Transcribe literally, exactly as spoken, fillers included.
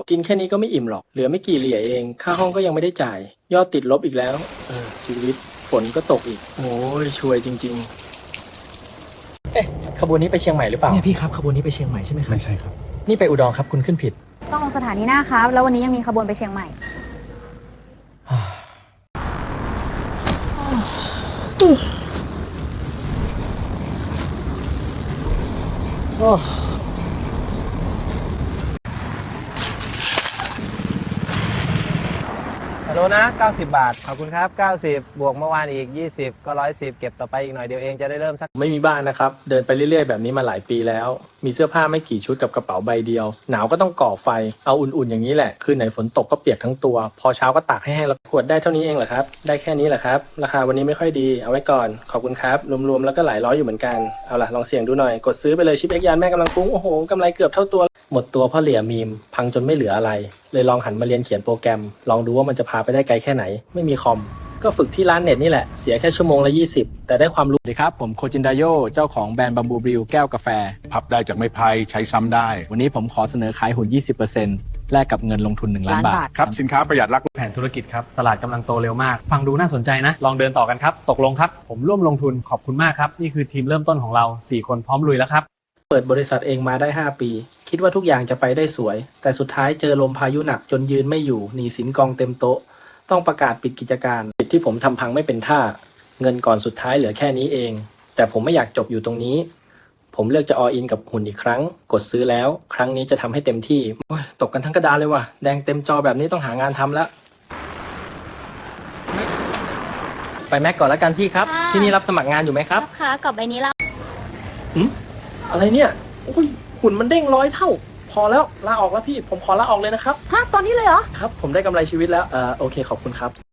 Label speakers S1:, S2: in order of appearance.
S1: กินแค่นี้ก็ไม่อิ่มหรอกเหลือไม่กี่เหรียญเองค่าห้องก็ยังไม่ได้จ่ายยอดติดลบอีกแล้วเออชีวิตฝนก็ตกอีกโอ้ยช่วยจริงๆเอ๊ะขบวนนี้ไปเชียงใหม่หรือเปล่า
S2: เนี่ยพี่ครับขบวนนี้ไปเชียงใหม่ใช่ไหมครับ
S3: ไม่ใช่ครับ
S1: นี่ไปอุดรครับคุณขึ้นผิด
S4: ต้องลงสถานีหน้าครับ แล้ววันนี้ยังมีขบวนไปเชียงใหม่
S1: โอ้ฮัลโหลนะเก้าสิบบาทขอบคุณครับเก้าสิบบวกเมื่อวานอีกยี่สิบก็หนึ่งร้อยสิบเก็บต่อไปอีกหน่อยเดียวเองจะได้เริ่มสักไม่มีบ้านนะครับเดินไปเรื่อยๆแบบนี้มาหลายปีแล้วมีเสื้อผ้าไม่กี่ชุดกับกระเป๋าใบเดียวหนาวก็ต้องก่อไฟเอาอุ่นๆอย่างนี้แหละคืนไหนฝนตกก็เปียกทั้งตัวพอเช้าก็ตากให้แห้งแล้วขวดได้เท่านี้เองเหรอครับได้แค่นี้แหละครับราคาวันนี้ไม่ค่อยดีเอาไว้ก่อนขอบคุณครับรวมๆแล้วก็หลายร้อยอยู่เหมือนกันเอาล่ะลองเสี่ยงดูหน่อยกดซื้อไปเลยชิปเอ็กยานแม่กำลังปุ้งโอ้โหกำไรเกือบเท่าตัวหมดตัวเพราะเหลี่ยมีมพังจนไม่เหลืออะไรเลยลองหันมาเรียนเขียนโปรแกรมลองดูว่ามันจะพาไปได้ไกลแค่ไหนไม่มีคอมก็ฝึกที่ร้านเน็ตนี่แหละเสียแค่ชั่วโมงละยี่สิบแต่ได้ความรู้ดีครับผมโคจินไดโยเจ้าของแบรนด์บัมบูบริวแก้วกาแฟ
S3: พับได้จากไม้พายใช้ซ้ำได้
S1: วันนี้ผมขอเสนอขายหุ้น ยี่สิบเปอร์เซ็นต์ แลกกับเงินลงทุนหนึ่งล้านบาท
S3: ครับสินค้าประหยัดรัก
S5: แผนธุรกิจครับตลาดกำลังโตเร็วมาก ฟังดูน่าสนใจนะ ลองเดินต่อกันครับ ตกลงครับ ผมร่วมลงทุนขอบคุณมากครับ นี่คือทีมเริ่มต้นของเรา สี่ คนพร้อมลุยแล้วครับ
S1: เปิดบริษัทเองมาได้ห้าปีคิดว่าทุกอย่างจะไปได้สวยแต่สุดท้ายเจอลมพายุหนักจนยืนไม่อยู่หนี้สินกองเต็มโต๊ะต้องประกาศปิดกิจการปิดที่ผมทำพังไม่เป็นท่าเงินก่อนสุดท้ายเหลือแค่นี้เองแต่ผมไม่อยากจบอยู่ตรงนี้ผมเลือกจะออินกับหุ่นอีกครั้งกดซื้อแล้วครั้งนี้จะทำให้เต็มที่โอ้ยตกกันทั้งกระดานเลยว่ะแดงเต็มจอแบบนี้ต้องหางานทำแล้วไปแม็กก่อนแล้วกันพี่ครับที่นี่รับสมัครงานอยู่ไหมครับ
S6: ค่ะกรอบใบนี้แล้ว
S1: อืมอะไรเนี่ยโอ้ยหุ่นมันเด้งร้อยเท่าพอแล้วลาออกแล้วพี่ผมขอลาออกเลยนะครับ
S2: ฮะตอนนี้เลยเหรอ
S1: ครับผมได้กำไรชีวิตแล้วเออโอเคขอบคุณครับ